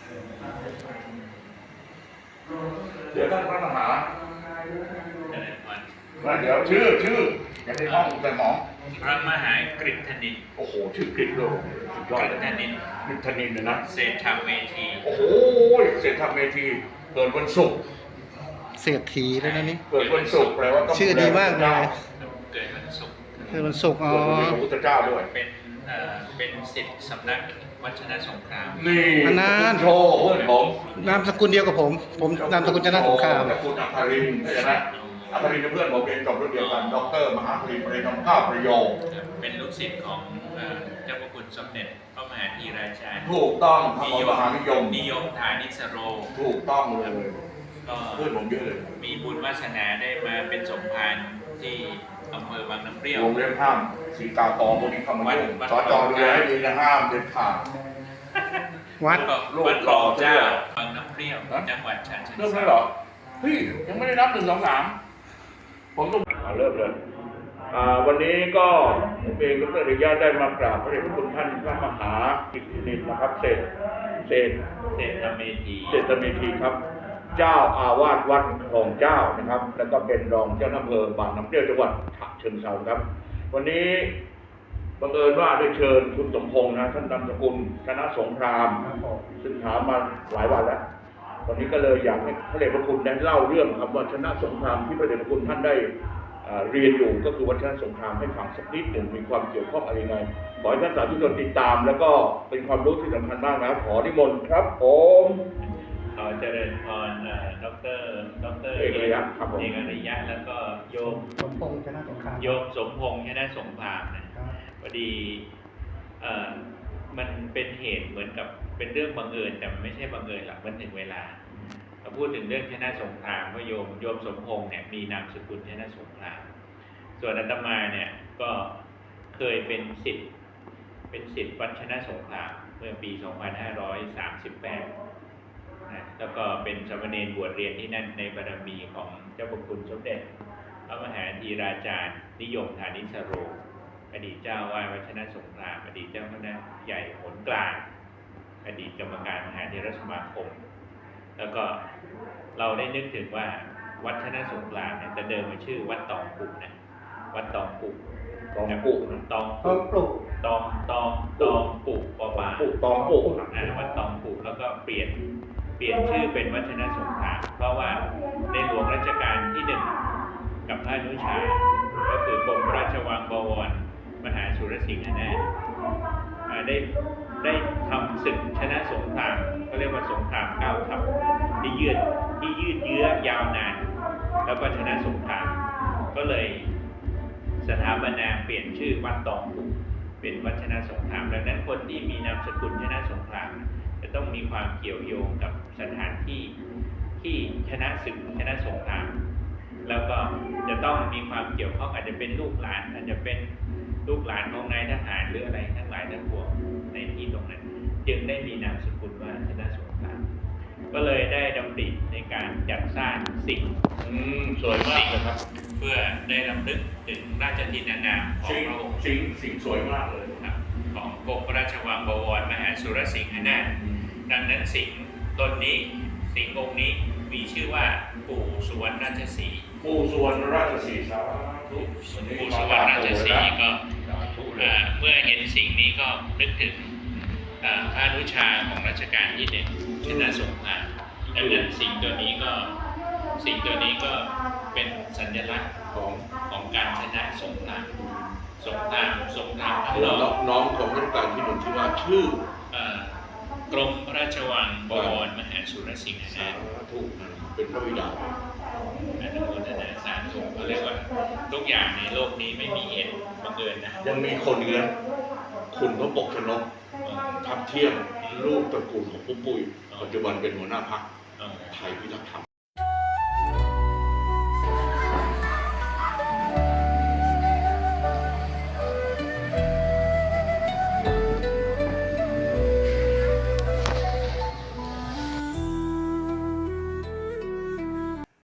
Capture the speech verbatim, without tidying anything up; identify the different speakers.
Speaker 1: เดี๋ยวท่านพระมหา
Speaker 2: เจริญพร
Speaker 1: ว่าเดี๋ยวชื่อชื่อยังได้ห้องแต่หมอ
Speaker 2: พระมหากฤษณิน
Speaker 1: โอ้โหชื่อกริดโลสุดยอด
Speaker 2: กฤษณิน
Speaker 1: กริดธนินเลยนะ
Speaker 2: เศรษฐเมธี
Speaker 1: โอ้โหเสร็จทำเวทีเกิดวันศุกร์
Speaker 3: เศรษฐีแล้วนะนี่
Speaker 1: เกิดวันศุกร์แปลว่าต้อง
Speaker 3: ชื่อดีมากเลย
Speaker 2: เกิดวันศุกร์
Speaker 3: คือวันศุกร์อ๋อ
Speaker 1: เกิดวันนี้พระพุทธเจ้าด้วย
Speaker 2: เป็นเอ่อเป็นศิษย์สำนักวัชนะสงคราม
Speaker 1: นี่
Speaker 3: อันนั้น
Speaker 1: คุณโชว์เพื่อนผม
Speaker 3: นามสกุลเดียวกับผม ผมนามสกุลชนะสงคราม
Speaker 1: ตระกูลอัครินทร์ใช่ไหมอัครินทร์เป็นเพื่อนผมเรียนจบรุ่นเดียวกันด็อกเตอร์มหาปริญญาเรียนทำข้าวประโยค
Speaker 2: เป็นลูกศิษย์ของเอ่อเจ้าพระคุณสมเด็จพระมหาธีราชา
Speaker 1: ถูกต้องพระมหานิยม
Speaker 2: นิยมฐานิสโร
Speaker 1: ถูกต้องเลย
Speaker 2: ก็
Speaker 1: เพื่อนผมเยอะเลย
Speaker 2: มีบุญวาสนาได้มาเป็นสมภารที่อำเภอบางน้ำเปรี้ยว
Speaker 1: วงเล็บห้ามสีกาตอพวกนี้เข้ามายุ่ง
Speaker 2: วัด
Speaker 1: สอจอดูแลให้ดีนะห้ามเด็ดขาด
Speaker 3: วัด
Speaker 2: ก็
Speaker 1: ลูก
Speaker 2: วัดหล่อเจ้า
Speaker 1: หล่อ
Speaker 2: บางน้ำเปรี้ยว
Speaker 1: ฮะ
Speaker 2: จังหวัดฉะเชิง
Speaker 1: เริ่ม
Speaker 2: เทรา
Speaker 1: แล้วเหรอเฮ้ยยังไม่ได้นับหนึ่งสองสามผมต้องอ่าเริ่มเลยอ่าวันนี้ก็ผมเองก็ได้อนุญาตได้มากราบพระเดชพระคุณท่านพระมหากิตตินินนะครับเศรษเศรษ
Speaker 2: เศรษฐเมธี
Speaker 1: เศรษฐเมธีครับ เจ้าอาวาสวัดคลองเจ้านะครับ แล้วก็เป็นรองเจ้าอำเภอบางน้ำเปรี้ยวจังหวัดฉะเชิงเทราครับ วันนี้บังเอิญว่าได้เชิญคุณสมพงษ์นะท่านนามสกุลชนะสงคราม ซึ่งถามมาหลายวันแล้ว วันนี้ก็เลยอยากให้พระเดชพระคุณได้เล่าเรื่องครับว่าชนะสงครามที่พระเดชพระคุณท่านได้อ่าเรียนอยู่ก็คือวัฒนสงครามให้ฟังสักนิดหนึ่งมีความเกี่ยวข้องอะไรยังไงขอให้ท่านสาธุชนติดตาม แล้วก็เป็นความรู้ที่สำคัญมากนะขอนิมนต์ครับผม
Speaker 2: ขอเจริญพรเอ่อดอกเตอรดอกเตอร
Speaker 1: เอกอริยะครับผม
Speaker 2: เอกอริยะแล้วก็โยม
Speaker 3: สมพงษ์ชนะสงคราม
Speaker 2: โยมสมพงษ์ชนะสงครามนะพอดีเอ่อมันเป็นเหตุเหมือนกับเป็นเรื่องบังเอิญแต่มันไม่ใช่บังเอิญหรอกมันถึงเวลาเราพูดถึงเรื่องชนะสงครามว่าโยมโยมสมพงษ์เนี่ยมีนามสกุลชนะสงคราม ส่วนอาตมาเนี่ยก็เคยเป็นศิษย์เป็นศิษย์วัดชนะสงครามเมื่อปี สองพันห้าร้อยสามสิบแปด นะแล้วก็เป็นสามเณรบวชเรียนที่นั่นในบารมีของเจ้าพระคุณสมเด็จพระมหาธีราจารย์นิยมฐานิสโร อดีตเจ้าวาดวัฒนสงครามอดีตเจ้าคณะใหญ่หนกลางอดีตกรรมการมหาเถรสมาคม แล้วก็เราได้นึกถึงว่าวัดชนะสงครามเนี่ยแต่เดิมมันชื่อวัดตองปุนะวัดตองปุ
Speaker 1: ตองปุนะ
Speaker 2: ตอง
Speaker 3: ต้
Speaker 2: ปุ
Speaker 3: องปลูก
Speaker 2: ตองตองตองปุปอปา
Speaker 1: ปุตองปุ
Speaker 2: อ่าวัดตองปุแล้วก็เปลี่ยนเปลี่ยนชื่อเป็นวัฒนสงครามเพราะว่าในหลวงรัชกาลที่หนึ่งกับพระอนุชาก็คือกรมราชวังบวรมหาสุรสิงหนาถอ่าได้ได้ทำศึกชนะสงครามก็เรียกว่าสงครามเก้าทัพที่ยืดที่ยืดเยื้อยาวนาน แล้วก็ชนะสงครามก็เลยสถาปนาเปลี่ยนชื่อวัดตองปุเป็นวัดชนะสงครามดังนั้นคนที่มีนามสกุลชนะสงครามจะต้องมีความเกี่ยวโยงกับสถานที่ที่ชนะศึกชนะสงครามแล้วก็จะต้องมีความเกี่ยวข้องอาจจะเป็นลูกหลานอาจจะเป็นลูกหลานของนายทหารหรืออะไรทั้งหลายทั้งปวงในที่ตรงนั้นจึงได้มีนามสกุลว่าชนะสงครามก็เลยได้ดำริในการจัดสร้างสิ่ง
Speaker 1: อืมสวยมากเลยครับ
Speaker 2: เพื่อได้รำลึกถึงราชทินานามของ
Speaker 1: สิ่ง
Speaker 2: พระองค์
Speaker 1: สิ่งสิ่งสวยมากเลย
Speaker 2: ครับของกรมราชวังบวรมหาสุรสิงหนาถดังนั้นสิ่งตนนี้สิ่งองค์นี้มีชื่อว่าปู่สุวรรณราชสีห์
Speaker 1: ปู่สุวรรณราชสีห์สาธุ
Speaker 2: ปู่สุวรรณราชสีห์ก็
Speaker 1: สาธุเล
Speaker 2: อ่าย เมื่อเห็นสิ่งนี้ก็นึกถึงอ่าพระอนุชาของรัชกาลที่หนึ่งชนะสงครามดังนั้นสิ่งตัวนี้ก็สิ่งตัวนี้ก็เป็นสัญลักษณ์ของของการชนะสงครามสงครามสงครามข้างนอก
Speaker 1: น้องของรัชกาลที่หนึ่งชื่อว่าชื่อ
Speaker 2: เอ่อกรมพระราชวังบวรมหาสุรสิงห
Speaker 1: สา
Speaker 2: นาถ
Speaker 1: ธุเป็นพระบิดา
Speaker 2: อนุโมทนาสาธุเขาเรียกว่าทุกอย่างในโลกนี้ไม่มีเหตุบังเอิญนะ
Speaker 1: ยังมีคนเนื้อคุณพระปกชนกทับเที่ยงลูกตระกูลของปุ๊ปุ้ยปัจจุบันเป็นหัวหน้าพรรค
Speaker 2: เอ่อ
Speaker 1: ไทยพิทักษ์ธรรม